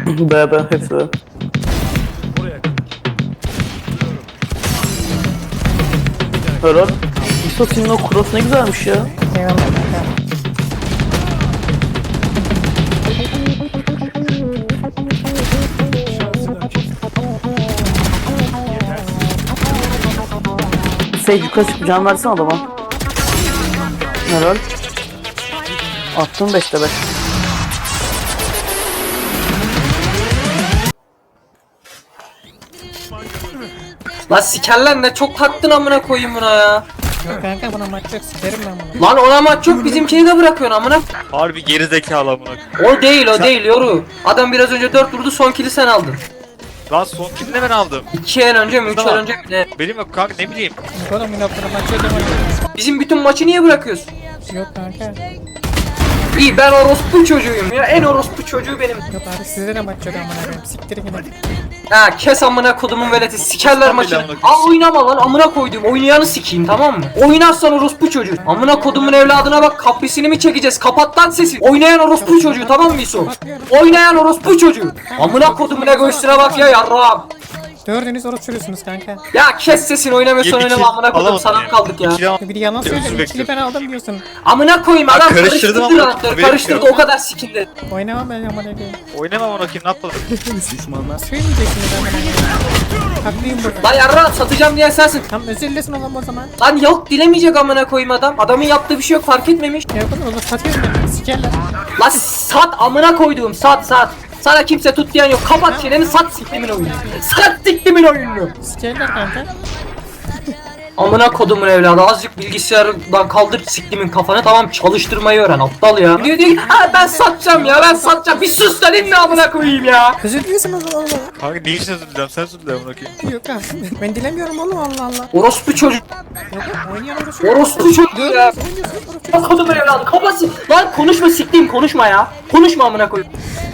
B hepsi B. Helal. İso senin o cross ne güzelmiş ya. Eyvallah kanka. Sage yukarı çık, can versene adama. Helal. Attım 5'te 5. Lan sikerler ne çok taktın amına koyayım buna ya. Yok kanka buna maç yok, sikerim ben bunu. Lan ona maç yok, bizimkini de bırakıyorsun amına. Harbi geri zekalı amına. O değil yoru. Adam biraz önce 4 vurdu, son kill'i sen aldın. Lan son kilini de ben aldım. 2 el önce mi 3 el Tamam. önce mi ne? Benim yok kanka ne bileyim. Yok oğlum yine buna maç yok ama. Bizim bütün maçı niye bırakıyorsun? Yok kanka. İyi, ben orospu çocuğuyum ya, en orospu çocuğu benim. Yok abi sizde de maç yok amına koyayım. Siktirin gidin. Ha kes amına kodumun veleti, sikerler Tamam, maçını. amına Al oynama lan, amına koyduğum oynayanı sikeyim, tamam mı? Oynarsan orospu çocuğu. Amına kodumun evladına bak, kaprisini mi çekeceğiz? Kapat lan sesi. Oynayan orospu çocuğu, tamam mı İso? Oynayan orospu çocuğu. Amına kodumun egoistine bak ya, yarrağım. Dördünüz oruç sürüyorsunuz kanka. Ya kes sesini, oynamıyorsan Yedi oynama amına kodum, alamadım sana ya. kaldık ya. İkili al- Bir yalan söyle. Özür İkili bekliyorum. ben aldım diyorsun. Amına koyayım, adam karıştırdım karıştırdı ama rahatları, haberim karıştırdı, yok. o kadar sikindi. Oynamam ben amına koyayım. Oynamam amına koyayım, ne yapalım? Söyleyeceksiniz amına koyayım. Haklıyım burada. Lan yarrağım, satacağım diyen sensin. Tam özür dilesin oğlum o zaman. Lan yok, dilemeyecek amına koyayım adam. Adamın yaptığı bir şey yok, fark etmemiş. Ya oğlum olur satıyorum ben. Sikerler. Lan sat amına koyduğum, sat. Sana kimse tut diyen yok. Kapat çeneni, sat siktimin oyunu. Sat siktimin oyununu. Sikerler kanka. Amına kodumun evladı, azıcık bilgisayardan kaldır siktimin kafanı, tamam, çalıştırmayı öğren aptal ya. Diyor ki ha ben satacağım ya, ben satacağım. Bir sus lan, ne amına koyayım ya. Özür dilesin o zaman oğlum. Kanka ne için özür dilerim, sen özür dile amına koyayım. Yok abi. Ben dilemiyorum oğlum Allah Allah. Orospu çocuk. Yok oynayan oruç. Orospu çocuk ya. Oynuyorsun oruç. Amına kodumun evladı, kafası. Lan konuşma siktiğim, konuşma ya. Konuşma amına koyayım.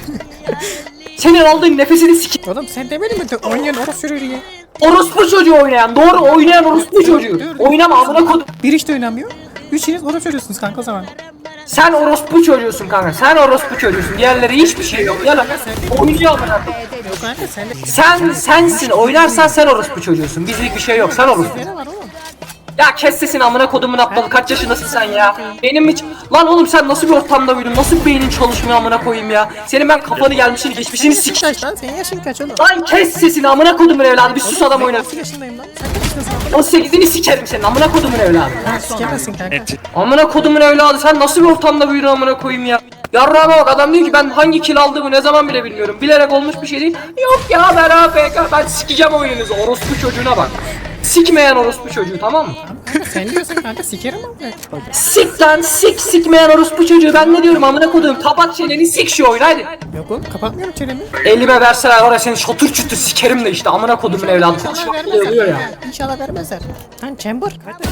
Senin aldığın nefesini sikeyim. Oğlum sen demedin mi? Oynayan oruç sürüyor diye. Orospu çocuğu oynayan, doğru oynayan orospu çocuğu. Oynama amına kodum. Bir işte oynamıyor. Üçünüz oruç sürüyorsunuz kanka o zaman. Sen orospu çocuğusun kanka. Sen orospu çocuğusun. Diğerleri hiçbir şey yok. Yalan. Oynuyor amına koyayım. Yok kanka sen de. Sensin. Oynarsan sen orospu çocuğusun. Bizlik bir şey yok. Sen orospu. Ne var oğlum? Ya kes sesini amına kodumun aptalı. Kaç yaşındasın sen ya? Benim hiç... Lan oğlum sen nasıl bir ortamda büyüdün? Nasıl bir beynin çalışmıyor amına koyayım ya? Senin ben kafanı gelmişini geçmişini Yaşın sik. kaç lan? Senin yaşın kaç oğlum? Lan kes sesini amına kodumun evladı. Bir sus adam oynar. 18 yaşındayım lan. Sen kaç yaşındasın? 18'ini sikerim senin amına kodumun evladı. Ha sikemezsin kanka. Amına kodumun evladı, sen nasıl bir ortamda büyüdün amına koyayım ya? Yarrağıma bak, adam diyor ki ben hangi kill aldığımı ne zaman bile bilmiyorum. Bilerek olmuş bir şey değil. Yok ya ben AFK, ben sikeceğim oyununuzu. Orospu çocuğuna bak. Sikmeyen orospu çocuğu, tamam mı? Kanka sen diyorsun kanka sikerim abi. Sik lan, sikmeyen orospu çocuğu. Ben ne diyorum amına kodum? Kapat çeneni, sik şu oyunu hadi. Yok oğlum kapatmıyorum çenemi. Elime verseler var ya, seni şatır çutur sikerim de işte amına kodumun evladı. İnşallah Konuşmak bile vermezler. oluyor ya. kanka. İnşallah vermezler. Lan Chamber.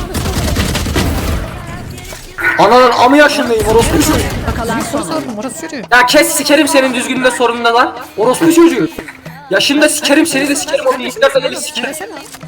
Ananın amı yaşındayım orospu çocuğu. Bir soru sordum orası sürüyor. Ya kes, sikerim senin düzgünde sorununda lan. Orospu çocuğu. Yaşında sikerim, seni de sikerim, o bilgisayarda deli sikerim. Versene.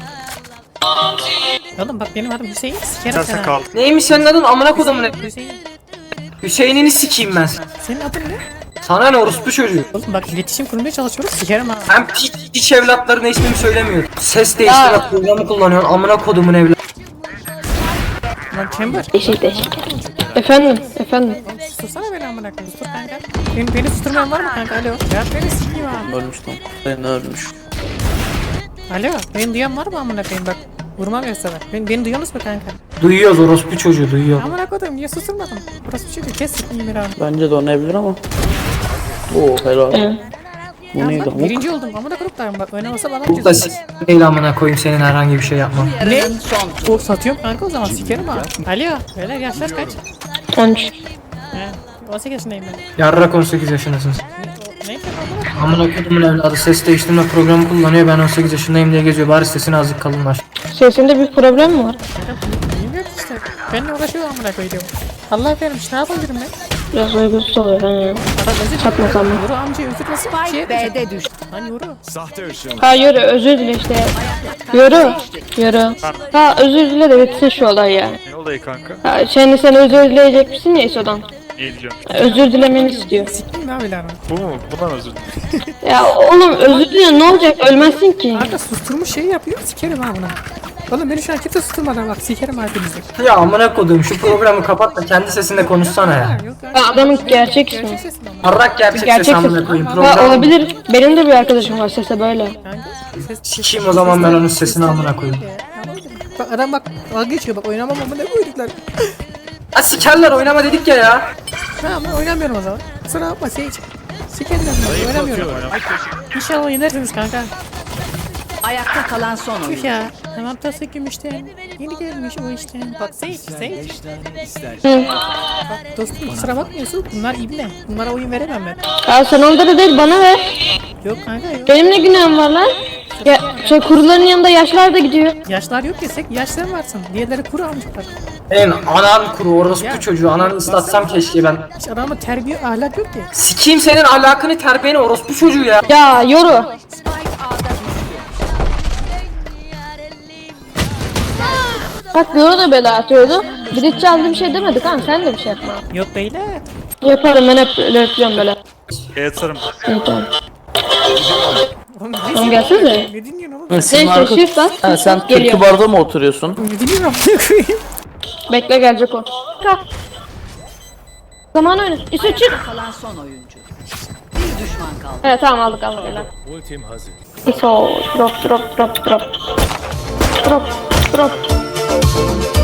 Oğlum bak benim adım Hüseyin. Sikerim Sen seni. kal. Neymiş senin adın amına kodumun evladı? Hüseyin. Hüseyin'ini sikeyim ben. Senin adın ne? Sana ne orospu çocuğu? Oğlum bak iletişim kurmaya çalışıyoruz. Sikerim ha. Hem piç evlatlarına ismimi söylemiyor. Ses değiştirme programı kullanıyorsun amına kodumun evladı. Lan Chamber. Değişik. Efendim. Oğlum sustursana beni amına koyayım. Sustur kanka. Beni susturmayan var mı kanka? Alo. Cevap verin sikeyim ha. Ölmüş lan. Ben ölmüş. Alo. Beni duyan var mı amına koyayım bak. Vurmam yoksa bak. Beni duyuyorsunuz mu kanka? Duyuyoruz, orospu çocuğu duyuyor. Amına koyayım niye susturmadın? Burası bir şey değil. Kes sikeyim bir abi. Bence de oynayabilir ama. Oo helal. Evet. Bu neydi? Bak, birinci oldum. Amına koyayım bak. Oynamasa bana Bu da değil amına koyayım, senin herhangi bir şey yapmam. Ne? O satıyorum kanka o zaman sikerim ha. Alo. Beyler yaşlar kaç? 13. He. 18 yaşındayım ben. Yarrak 18 yaşındasınız. Ne? Amına kodumun evladı ses değiştirme programı kullanıyor, ben 18 yaşındayım diye geziyor, bari sesini azıcık kalınlar. Sesinde bir problem mi var? Bilmiyorum işte. Benimle uğraşıyor amına koyduğum. Allah vermiş ne yapabilirim ben? Biraz uygunsuz oluyor ben ya. Satmasam mı? Yoru amca özür nasıl bir şey B'de düştü. Lan yoru. Ha yürü özür dile işte. Yürü. Ha özür dile de bitsin şu olay yani. Ne olayı kanka? Ha şimdi sen özür dileyecek misin ya İso'dan? İyi diliyorum. Özür dilemeni istiyor. Sikeyim abi lan. Bu mu? Bundan özür dilerim. Ya oğlum özür dile ne olacak ölmezsin ki. Kanka susturmuş şey yapıyor. Sikerim ha buna. Oğlum beni şu an kimse susturmadan bak sikerim hepinizi. Ya amına koduğum şu programı kapat da kendi sesinde konuşsana ya. Yok kanka. Ya adamın gerçek ismi. Gerçek sesin ama. Arrak gerçek Gerçek ses amına ses. koyayım Ha, program. olabilir. Benim de bir arkadaşım var sese böyle. Kanka. Sikeyim o zaman ben onun sesini amına koyayım. Bak adam bak dalga geçiyor bak oynamam ama ne koyduklar. Ha sikerler oynama dedik ya. Tamam ben oynamıyorum o zaman. Kusura bakma Sage. Sikerim ben oynamıyorum. İnşallah yenersiniz kanka. Ayakta kalan son oyun. Tüh ya. Tamam tası gümüşten. Yeni gelmiş o işten. Bak Sage. Bak dostum kusura bakmıyorsun. Bunlar ibne. Bunlara oyun veremem ben. Ya sen onları değil bana ver. Yok kanka yok. Benim ne günahım var lan? Ya şey kuruların yanında yaşlar da gidiyor. Yaşlar yok desek yaşlar varsın. Diğerleri kuru almışlar. Benim anan kuru orospu çocuğu ananı ıslatsam keşke ben. Hiç adamın terbiye ahlak yok ki. Sikeyim senin ahlakını terbiyeni orospu çocuğu ya. Ya yoru. Spike A'da düştü. Bak yoru da bela atıyordu. Bir de çaldı bir şey demedik ha sen de bir şey yapma. Yok beyler. Yaparım ben hep öyle yapıyorum böyle. Yatarım. İyi tamam. Oğlum Tamam gelsene. ne dinliyorsun oğlum? Sizin Neyse arka... shift bas. Ha, sen Geliyor. Türkü Bar'da mı oturuyorsun? Ne dinliyorsun amına koyayım? Bekle gelecek o. Kalk. Zaman oyna. İşte çık. Kalan son oyuncu. Bir düşman kaldı. Evet tamam aldık helal. Ultim hazır. İso drop. Drop.